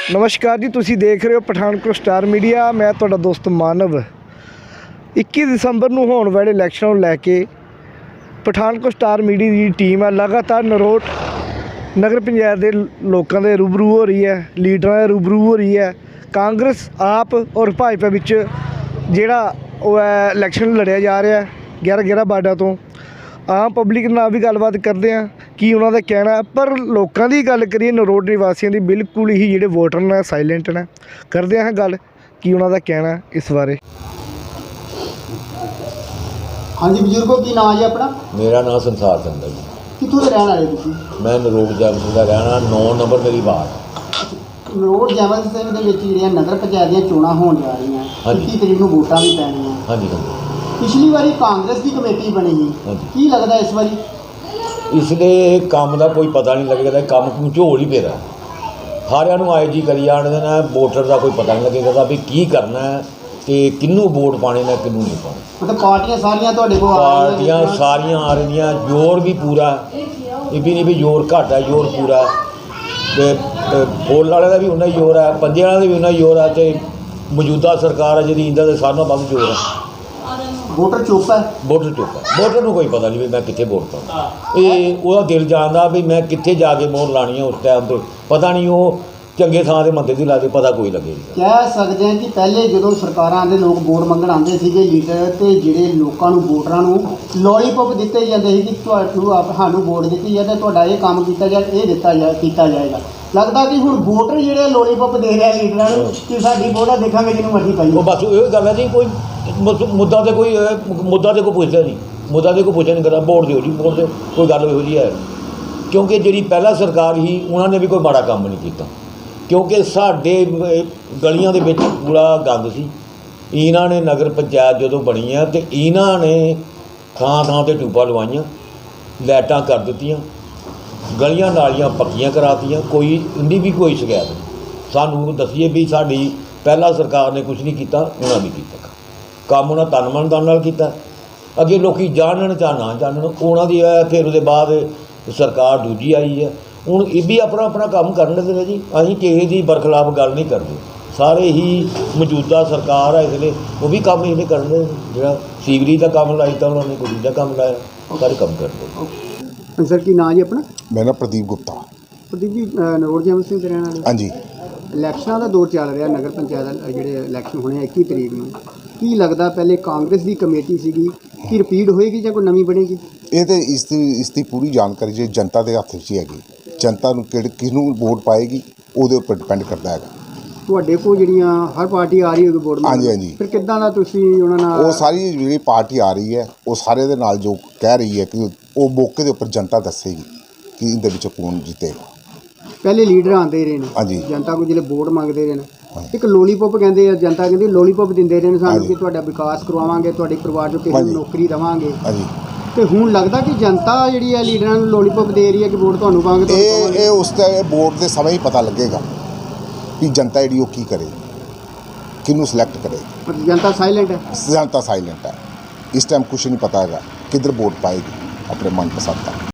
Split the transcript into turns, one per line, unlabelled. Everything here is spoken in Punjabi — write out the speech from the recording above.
नमस्कार जी, तुसी देख रहे हो पठानकोट स्टार मीडिया। मैं तुहाडा दोस्त मानव। 21 दसंबर ਨੂੰ होने वाले इलैक्शन ਨੂੰ ਲੈ ਕੇ पठानकोट स्टार मीडिया की टीम है लगातार नरोट नगर पंचायत के लोगों के रूबरू हो रही है, लीडर के रूबरू हो रही है। कांग्रेस आप और भाजपा विच जिहड़ा इलैक्शन लड़िया जा रहा है 11 वार्डां तो। आम पब्लिक नाल भी गलबात करते हैं कि उन्होंने कहना है, पर लोगों की गल करिए नरोट निवासियों की बिल्कुल ही जिहड़े वोटर ने साइलेंट ने। करते हैं गल कि उन्होंने कहना है इस बारे।
हाँ जी बजुर्गो, की नाम है अपना?
मेरा नाम संसार चंद है जी।
कितों के रहने वाले तुसीं?
मैं नरोट जैमल का रहना 9 नंबर मेरी वार्ड।
नरोट जैमल सिंह दे विच जिहड़ियां नगर पंचायत ਦੀਆਂ ਚੋਣਾਂ ਹੋਣ ਜਾ ਰਹੀਆਂ, 21 ਤਰੀਕ ਨੂੰ ਵੋਟਾਂ ਵੀ ਪੈਣੀਆਂ।
हाँ जी हाँ जी।
ਪਿਛਲੀ ਵਾਰੀ ਕਾਂਗਰਸ ਦੀ ਕਮੇਟੀ ਬਣੀ ਸੀ, ਕੀ ਲੱਗਦਾ ਇਸ ਵਾਰੀ?
इसलिए काम का कोई पता नहीं लगेगा, काम ਝੋਲ ही पेरा सारिਆਂ ਨੂੰ आए जी करी जाने ना, वोटर का कोई पता नहीं लगेगा भी की करना है तो किनू वोट पाने ने किनू नहीं पाने।
मतलब पार्टियां सारियां ਤੁਹਾਡੇ ਕੋਲ आ रही
पार्टियां सारियां आ रही, जोर भी पूरा, ये भी नहीं भी जोर घट है, जोर पूरा। तो फुल वाले का भी उन्ना ही जोर है, पंजे वाले का भी उन्ना ही जोर है, तो मौजूदा सरकार है जी इंदा सारे नालों वध जोर है।
वोटर चुप है,
वोटर चुप है, वोटर को कोई पता नहीं भी मैं कितने वोट पाऊँ। ये वह दिल जानता भी मैं कितने जाके मोहर लानी है उस टाइम पर पता नहीं, वो चंगे थां से मंदिर की ला के पता कोई लगे।
कह सकते हैं कि पहले जो सरकारां दे लोग वोट मंगण आते थे लीडर, तो ਜਿਹੜੇ ਲੋਕਾਂ ਨੂੰ ਵੋਟਰਾਂ ਨੂੰ ਲੋਲੀਪੌਪ ਦਿੱਤੇ ਜਾਂਦੇ ਸੀ ਕਿ ਤੁਹਾਨੂੰ ਵੋਟ ਦਿੱਤੀ ਜਾਏ ਤਾਂ ਤੁਹਾਡਾ ਇਹ ਕੰਮ ਕੀਤਾ ਜਾਏ, ਇਹ ਕੀਤਾ ਜਾਏਗਾ। लगता कि हुण वोटर ਜਿਹੜੇ ਲੋਲੀਪੌਪ ਦੇ ਰਿਹਾ ਲੀਡਰਾਂ ਨੂੰ ਕਿ ਸਾਡੀ ਵੋਟਾਂ ਦੇਖਾਂਗੇ ਜਿਹਨੂੰ ਮਰਜ਼ੀ ਪਾਈਏ।
ਉਹ ਬਸ ਇਹ ਗੱਲ ਹੈ ਜੀ, ਕੋਈ ਮੁੱਦਾ ਤੇ ਕੋਈ ਪੁੱਛਦਾ ਨਹੀਂ, ਮੁੱਦਾ ਤੇ ਕੋਈ ਪੁੱਛਿਆ ਨਹੀਂ ਕਰਦਾ, ਵੋਟ ਦਿਓ ਜੀ ਵੋਟ ਦਿਓ, ਕੋਈ ਗੱਲ ਇਹੋ ਜਿਹੀ ਹੈ। ਕਿਉਂਕਿ ਜਿਹੜੀ ਪਹਿਲਾਂ ਸਰਕਾਰ ਸੀ ਉਹਨਾਂ ਨੇ ਵੀ ਕੋਈ ਮਾੜਾ ਕੰਮ ਨਹੀਂ ਕੀਤਾ, ਕਿਉਂਕਿ ਸਾਡੇ ਗਲੀਆਂ ਦੇ ਵਿੱਚ ਪੂਰਾ ਗੰਦ ਸੀ। ਇਹਨਾਂ ਨੇ ਨਗਰ ਪੰਚਾਇਤ ਜਦੋਂ ਬਣੀ ਆ ਤੇ ਇਹਨਾਂ ਨੇ ਥਾਂ ਤੇ ਟੂਬਾਂ ਲਵਾਈਆਂ, ਲਾਈਟਾਂ ਕਰ ਦਿੱਤੀਆਂ, ਗਲੀਆਂ ਨਾਲੀਆਂ ਪੱਕੀਆਂ ਕਰਾਤੀਆਂ, ਕੋਈ ਇੰਨੀ ਵੀ ਕੋਈ ਸ਼ਿਕਾਇਤ ਨਹੀਂ। ਸਾਨੂੰ ਦੱਸੀਏ ਵੀ ਸਾਡੀ ਪਹਿਲਾਂ ਸਰਕਾਰ ਨੇ ਕੁਝ ਨਹੀਂ ਕੀਤਾ, ਉਹਨਾਂ ਵੀ ਕੀਤਾ ਕੰਮ, ਉਹਨਾਂ ਤਨ ਮਨ ਧਨ ਨਾਲ ਕੀਤਾ। ਅੱਗੇ ਲੋਕ ਜਾਣਨ ਜਾਂ ਨਾ ਜਾਣਨ ਉਹਨਾਂ ਦੀ ਹੈ, ਫਿਰ ਉਹਦੇ ਬਾਅਦ ਸਰਕਾਰ ਦੂਜੀ ਆਈ ਹੈ, ਹੁਣ ਇਹ ਵੀ ਆਪਣਾ ਕੰਮ ਕਰਨ ਲੱਗੇ ਨੇ ਜੀ। ਅਸੀਂ ਕਿਸੇ ਦੀ ਬਰਖਲਾਫ ਗੱਲ ਨਹੀਂ ਕਰਦੇ, ਸਾਰੇ ਹੀ ਮੌਜੂਦਾ ਸਰਕਾਰ ਹੈ ਇਸ ਲਈ ਉਹ ਵੀ ਕੰਮ ਇਹਨੇ ਕਰਦੇ। ਜਿਹੜਾ ਸੀਵਰੀ ਦਾ ਕੰਮ ਲਾਇਆ ਤਾਂ ਉਹਨਾਂ ਨੇ ਕੋਈ ਦੂਜਾ ਕੰਮ ਲਾਇਆ, ਸਾਰੇ ਕੰਮ ਕਰਦੇ।
सर की नाम जी अपना?
मेरा नाम प्रदीप गुप्ता।
प्रदीप जी, नरोट जैमल सिंह ਦੇ ਰਹਿਣ ਵਾਲੇ?
हाँ जी।
ਇਲੈਕਸ਼ਨਾਂ ਦਾ ਦੌਰ ਚੱਲ ਰਿਹਾ, ਨਗਰ ਪੰਚਾਇਤ ਜਿਹੜੇ ਇਲੈਕਸ਼ਨ ਹੋਣੇ 21 ਤਰੀਕ ਨੂੰ, ਕੀ ਲੱਗਦਾ ਪਹਿਲੇ ਕਾਂਗਰਸ ਦੀ ਕਮੇਟੀ ਸੀਗੀ ਕਿ ਰਿਪੀਟ ਹੋਏਗੀ ਜਾਂ ਕੋਈ ਨਵੀਂ ਬਣੇਗੀ?
ਇਹ ਤੇ ਇਸ ਦੀ ਪੂਰੀ ਜਾਣਕਾਰੀ ਜੇ ਜਨਤਾ ਦੇ ਹੱਥ ਵਿੱਚ ਹੀ ਹੈਗੀ, ਜਨਤਾ ਨੂੰ ਕਿਹਨੂੰ ਵੋਟ ਪਾਏਗੀ ਉਹਦੇ ਉੱਪਰ ਡਿਪੈਂਡ ਕਰਦਾ ਹੈਗਾ।
ਤੁਹਾਡੇ ਕੋਲ ਜਿਹੜੀਆਂ ਹਰ ਪਾਰਟੀ ਆ ਰਹੀ ਹੋਗੀ ਵੋਟ ਮੰਗਣ?
ਹਾਂਜੀ ਹਾਂਜੀ।
ਫਿਰ ਕਿੱਦਾਂ ਦਾ ਤੁਸੀਂ ਉਹਨਾਂ ਨਾਲ?
ਉਹ ਸਾਰੀ ਜਿਹੜੀ ਪਾਰਟੀ ਆ ਰਹੀ ਹੈ ਉਹ ਸਾਰੇ ਦੇ ਨਾਲ ਜੋ ਕਹਿ ਰਹੀ ਹੈ ਕਿ ਉਹ ਮੌਕੇ ਦੇ ਉੱਪਰ ਜਨਤਾ ਦੱਸੇਗੀ ਕਿ ਇਹਦੇ ਵਿੱਚ ਕੌਣ ਜਿੱਤੇਗਾ।
ਪਹਿਲੇ ਲੀਡਰ ਆਉਂਦੇ ਰਹੇ ਨੇ,
ਹਾਂਜੀ,
ਜਨਤਾ ਕੋਲ ਜਿਹੜੇ ਵੋਟ ਮੰਗਦੇ ਰਹੇ ਨੇ, ਇੱਕ ਲੋਲੀਪੌਪ ਕਹਿੰਦੇ ਆ, ਜਨਤਾ ਕਹਿੰਦੀ ਲੋਲੀਪੌਪ ਦਿੰਦੇ ਰਹੇ ਨੇ ਸਾਨੂੰ ਕਿ ਤੁਹਾਡਾ ਵਿਕਾਸ ਕਰਵਾਵਾਂਗੇ, ਤੁਹਾਡੇ ਪਰਿਵਾਰ 'ਚੋਂ ਕਿਸੇ ਨੂੰ ਨੌਕਰੀ ਦੇਵਾਂਗੇ।
ਹਾਂਜੀ।
ਤੇ ਹੁਣ ਲੱਗਦਾ ਕਿ ਜਨਤਾ ਜਿਹੜੀ ਹੈ ਲੀਡਰਾਂ ਨੂੰ ਲੋਲੀਪੌਪ ਦੇ ਰਹੀ ਹੈ ਕਿ ਵੋਟ ਤੁਹਾਨੂੰ ਪਾਵਾਂਗੇ।
ਇਹ ਉਸ ਤੇ ਵੋਟ ਦੇ ਸਮੇਂ ਹੀ ਪਤਾ ਲੱਗੇਗਾ ਕਿ ਜਨਤਾ ਜਿਹੜੀ ਉਹ ਕੀ ਕਰੇ, ਕਿਹਨੂੰ ਸਿਲੈਕਟ ਕਰੇ।
ਜਨਤਾ ਸਾਇਲੈਂਟ ਹੈ,
ਜਨਤਾ ਸਾਇਲੈਂਟ ਹੈ, ਇਸ ਟਾਈਮ ਕੁਛ ਨਹੀਂ ਪਤਾ ਹੈਗਾ ਕਿੱਧਰ ਵੋਟ ਪਾਏਗੀ ਆਪਣੇ ਮਨਪਸੰਦ ਦਾ।